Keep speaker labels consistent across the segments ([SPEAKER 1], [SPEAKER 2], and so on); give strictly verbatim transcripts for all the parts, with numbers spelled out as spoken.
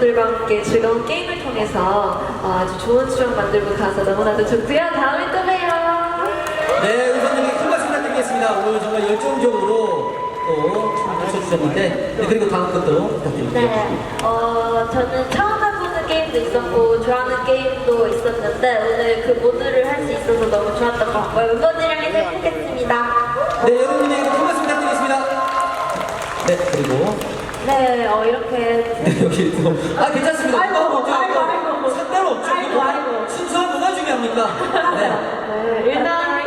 [SPEAKER 1] 멤버들과 함께 즐거운 게임을 통해서 어, 아주 좋은 추억 만들고 가서 너무나도 좋고요. 다음에 또 봬요.
[SPEAKER 2] 네, 우선님께 큰 박수 부탁드리겠습니다. 오늘 정말 열정적으로 또 춤을 춰주셨는데, 네, 그리고 다음 것도 부탁드릴게요.
[SPEAKER 1] 네, 어, 저는 처음 해보는 게임도 있었고 좋아하는 게임도 있었는데 오늘 그 모두를 할 수 있어서 너무 좋았던 것 같고요. 멤버들이랑 해서 행복했습니다.
[SPEAKER 2] 네, 여러분에게 큰 박수 부탁드리겠습니다. 네, 그리고
[SPEAKER 1] 네, 어, 이렇게
[SPEAKER 2] 네, 여기 또, 아, 괜찮습니다.
[SPEAKER 1] 아이고,
[SPEAKER 2] 없죠?
[SPEAKER 1] 아이고, 아이고.
[SPEAKER 2] 상관없죠?
[SPEAKER 1] 아이고, 아이고.
[SPEAKER 2] 순수한 뭐가 중요합니까? 네.
[SPEAKER 1] 네, 일단,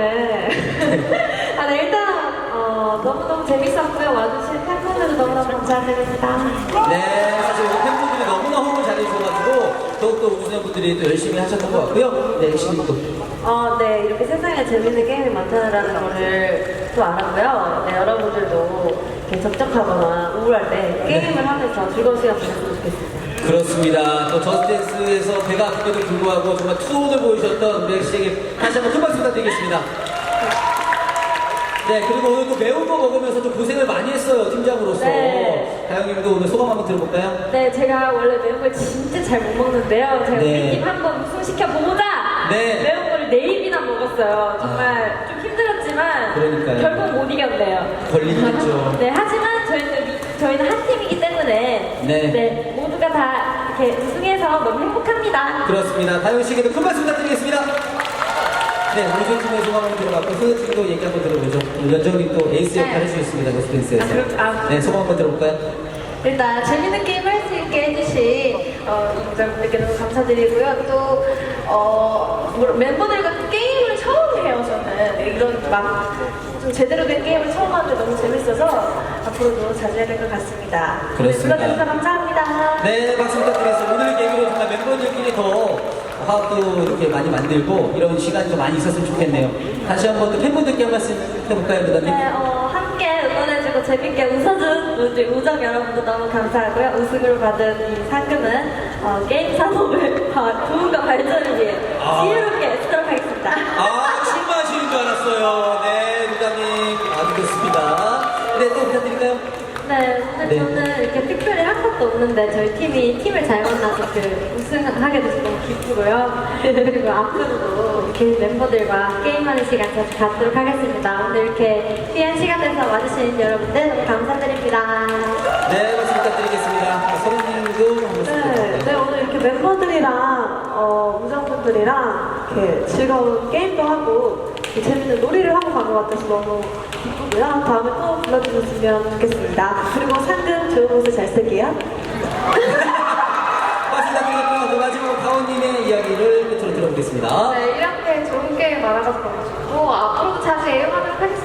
[SPEAKER 1] 네. 아, 네, 일단, 어, 너무너무 재밌었고요. 와주신 팬분들도 너무너무 감사드립니다.
[SPEAKER 2] 네, 사실 우리 팬분들이 너무나 호응을 잘해주셔가지고 더욱더 우주선 분들이 또 열심히 하셨던 것 같고요. 네, 열심히 또.
[SPEAKER 1] 어, 네, 이렇게 세상에 재밌는 게임이 많다는 거를 또 알았고요. 네, 여러분들도 이렇게 적적하거나 우울할 때 게임을 하면서 즐거운 시간 보냈으면 좋겠습니다.
[SPEAKER 2] 그렇습니다. 또 저스트댄스에서 배가 아픈데도 불구하고 정말 투혼을 보여주셨던 우리 씨에게 다시 한번 큰 박수 부탁드리겠습니다. 네, 그리고 오늘 또 매운 거 먹으면서 좀 고생을 많이 했어요, 팀장으로서.
[SPEAKER 1] 네.
[SPEAKER 2] 다영님도 오늘 소감 한번 들어볼까요?
[SPEAKER 1] 네, 제가 원래 매운 걸 진짜 잘 못 먹는데요. 제가
[SPEAKER 2] 네.
[SPEAKER 1] 우리 팀 한번 우승시켜보자!
[SPEAKER 2] 네.
[SPEAKER 1] 매운 걸 네 입이나 먹었어요. 정말 좀 힘들었지만
[SPEAKER 2] 그러니까요.
[SPEAKER 1] 결국 못 이겼네요.
[SPEAKER 2] 걸리긴 했죠.
[SPEAKER 1] 네, 하지만 저희는, 저희는 한 팀이기 때문에
[SPEAKER 2] 네.
[SPEAKER 1] 네, 모두가 다 이렇게 우승해서 너무 행복합니다.
[SPEAKER 2] 그렇습니다. 다영 씨에게도 큰 박수 부탁드리겠습니다. 네, 우리 팀의 소감 한번 들어봤고, 소녀 팀도 얘기 한번 들어보죠. 연정님 또 에이스 역할
[SPEAKER 1] 네.
[SPEAKER 2] 해주셨습니다, 저스트댄스에서.
[SPEAKER 1] 아, 그렇- 아.
[SPEAKER 2] 네, 소감 한번 들어볼까요?
[SPEAKER 1] 일단 재밌는 게임 할 수 있게 해주신 어, 유저분들께 너무 감사드리고요. 또 어, 뭐, 멤버들과 게임을 처음 해요. 저는 이런 막 좀 제대로 된 게임을 처음 하는데 너무 재밌어서 앞으로도 자주 해야 될 것 같습니다.
[SPEAKER 2] 그렇습니다.
[SPEAKER 1] 네, 불러주셔서 감사합니다.
[SPEAKER 2] 네, 박수 부탁드리겠습니다. 오늘 계기로 정말 멤버들끼리 더 화합도 이렇게 많이 만들고 이런 시간이 더 많이 있었으면 좋겠네요. 다시 한번 또 팬분들께 한 말씀 해볼까요, 루다님?
[SPEAKER 1] 네, 어, 함께 응원해주고 재밌게 웃어준 우리 우정 여러분도 너무 감사하고요. 우승으로 받은 이 상금은 어, 게임 산업을 부흥과 발전을 위해
[SPEAKER 2] 아.
[SPEAKER 1] 지혜롭게 쓰도록 하겠습니다.
[SPEAKER 2] 아, 술 마시는 줄 알았어요. 네, 루다님. 아주 좋습니다. 네, 또 부탁드릴까요?
[SPEAKER 1] 네, 근데
[SPEAKER 2] 네.
[SPEAKER 1] 저는 이렇게 특별히 한 것도 없는데 저희 팀이 팀을 잘 만나서 그 우승하게 돼서 너무 기쁘고요. 그리고 앞으로도 이렇게 멤버들과 게임하는 시간 자주 갖도록 하겠습니다. 오늘 이렇게 귀한 시간 내서 와주신 여러분들 너무 감사드립니다.
[SPEAKER 2] 네, 박수 부탁드리겠습니다. 서른님도 한 말씀
[SPEAKER 3] 네,
[SPEAKER 2] 부탁드릴까요?
[SPEAKER 3] 네, 오늘 이렇게 멤버들이랑 어, 우정분들이랑 이렇게 즐거운 게임도 하고 이렇게 재밌는 놀이를 하고 간 것 같아서 너무 기쁘고요. 다음에 또 불러주셨으면 좋겠습니다. 그리고 상금 좋은 곳을 잘 쓸게요.
[SPEAKER 2] 박수 부탁드리겠고요. 그 마지막으로 가온님의 이야기를 끝으로 들어보겠습니다.
[SPEAKER 1] 네, 이렇게 좋은 게임 많아서 너무 좋고 앞으로도 자주 애용하도록 하겠습니다.